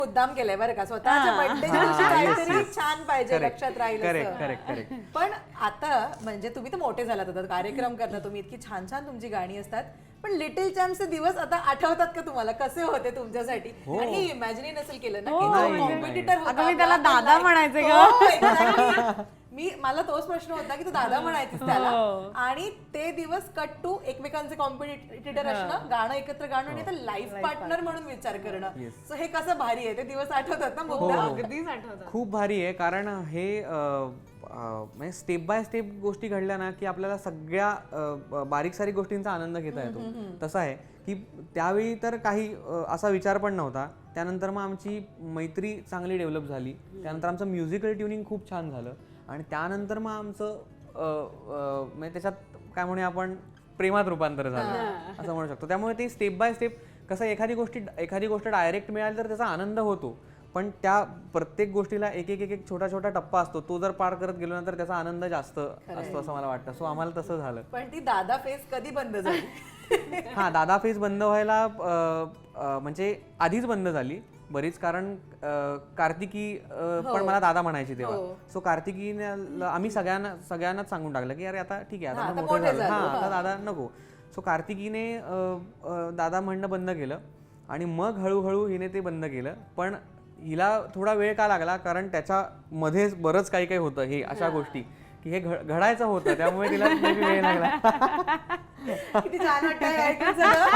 मुद्दाम केलंय बरं का, स्वतःच्या बर्थडेच्या दिवशी काहीतरी छान पाहिजे, लक्षात राहील असं. करेक्ट. पण आता म्हणजे तुम्ही तर मोठे झालात, आता कार्यक्रम करता तुम्ही, इतकी छान छान तुमची गाणी असतात, पण लिटिल चॅम्प्सचे दिवस आता आठवतात का तुम्हाला? कसे होते तुमच्यासाठी? आणि इमॅजिन नसेल केलं ना की कॉम्पिटिटर होता. अगं मी त्याला दादा म्हणायचे ग. मला तोच प्रश्न होता की तू दादा म्हणायचीस त्याला, आणि ते दिवस कट टू एकमेकांचे कॉम्पिटिटर असणं, गाणं एकत्र गाणं, आणि आता लाईफ पार्टनर म्हणून विचार करणं. सो हे कसं भारी आहे, ते दिवस आठवतात ना मुद्दा? अगदीच आठवतात. खूप भारी आहे, कारण हे म्हणजे स्टेप बाय स्टेप गोष्टी घडल्या ना की आपल्याला सगळ्या बारीक सारीक गोष्टींचा आनंद घेता येतो. तसं आहे की त्यावेळी तर काही असा विचार पण नव्हता. त्यानंतर मग आमची मैत्री चांगली डेव्हलप झाली, त्यानंतर आमचं म्युझिकल ट्युनिंग खूप छान झालं, आणि त्यानंतर मग आमचं म्हणजे त्याच्यात काय म्हणूया आपण प्रेमात रूपांतर झालं असं म्हणू शकतो. त्यामुळे ते स्टेप बाय स्टेप कसं, एखादी गोष्ट डायरेक्ट मिळाली तर त्याचा आनंद होतो, पण त्या प्रत्येक गोष्टीला एक एक छोटा टप्पा असतो, तो जर पार करत गेलो ना तर त्याचा आनंद जास्त असतो असं मला वाटतं. सो आम्हाला तसं झालं. पण ती दादा फेस कधी बंद झाली? हा, दादा फेस बंद व्हायला म्हणजे आधीच बंद झाली बरीच, कारण कार्तिकी पण मला दादा म्हणायची तेव्हा. सो कार्तिकीने आम्ही सगळ्यांनाच सांगून टाकलं की अरे आता ठीक आहे, आता मोठं झालं, आता दादा नको. सो कार्तिकीने दादा म्हणणं बंद केलं, आणि मग हळूहळू हिने ते बंद केलं. पण हिला थोडा वेळ का लागला, कारण त्याच्यामध्ये बरंच काही होतं, हे अशा गोष्टी की हे घडायचं होतं, त्यामुळे तिला वेळ लागला. किती छान वाटतं.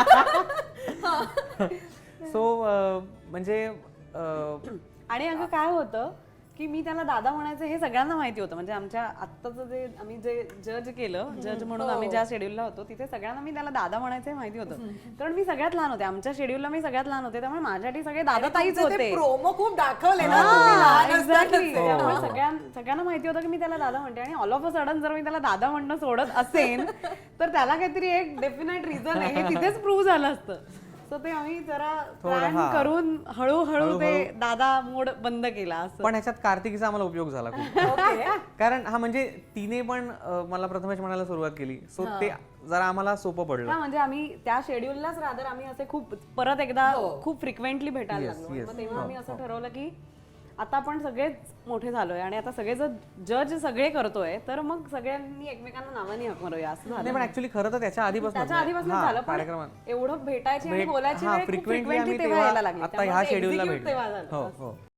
सो म्हणजे आणि अगं काय होतं की मी त्याला दादा म्हणायचं हे सगळ्यांना माहिती होतं. म्हणजे आमच्या आत्ताचं जे आम्ही जे जज म्हणून आम्ही ज्या शेड्यूलला होतो तिथे सगळ्यांना मी त्याला दादा म्हणायचं हे माहिती होतं, कारण मी सगळ्यात लहान होते. आमच्या शेड्यूलला मी सगळ्यात लहान होते, त्यामुळे माझ्यासाठी सगळे दादा ताईच होते. प्रोमो खूप दाखवले ना. त्यामुळे सगळ्यांना माहिती होतं की मी त्याला दादा म्हणते, आणि ऑल ऑफ अ सडन जर मी त्याला दादा म्हणणं सोडत असेल तर त्याला काहीतरी एक डेफिनेट रिझन आहे, हे तिथेच प्रूव्ह झालं असतं. सो ते आम्ही जरा प्लॅन करून हळूहळू ते दादा मोड बंद केला असं. पण ह्याच्यात कार्तिकीचा आम्हाला उपयोग झाला खूप. कारण हा म्हणजे तिने पण मला प्रथमेश म्हणायला सुरुवात केली, सो ते जरा आम्हाला सोपं पडलं. म्हणजे आम्ही त्या शेड्यूललाच रादर आम्ही असे खूप परत एकदा खूप फ्रिक्वेंटली भेटायला लागलो. मग तेव्हा आम्ही असं ठरवलं की आता आपण सगळेच मोठे झालोय, आणि आता सगळे जज सगळे करतोय, तर मग सगळ्यांनी एकमेकांना नावाने हाक मारूया असं झालं. पण ऍक्च्युअली खरं तर त्याच्या आधीपासून झालं, पण एवढं भेटायची आणि बोलायची वेळ खूप फ्रिक्वेंटली तेव्हा यायला लागली. आता ह्या शेड्यूलला भेटलो.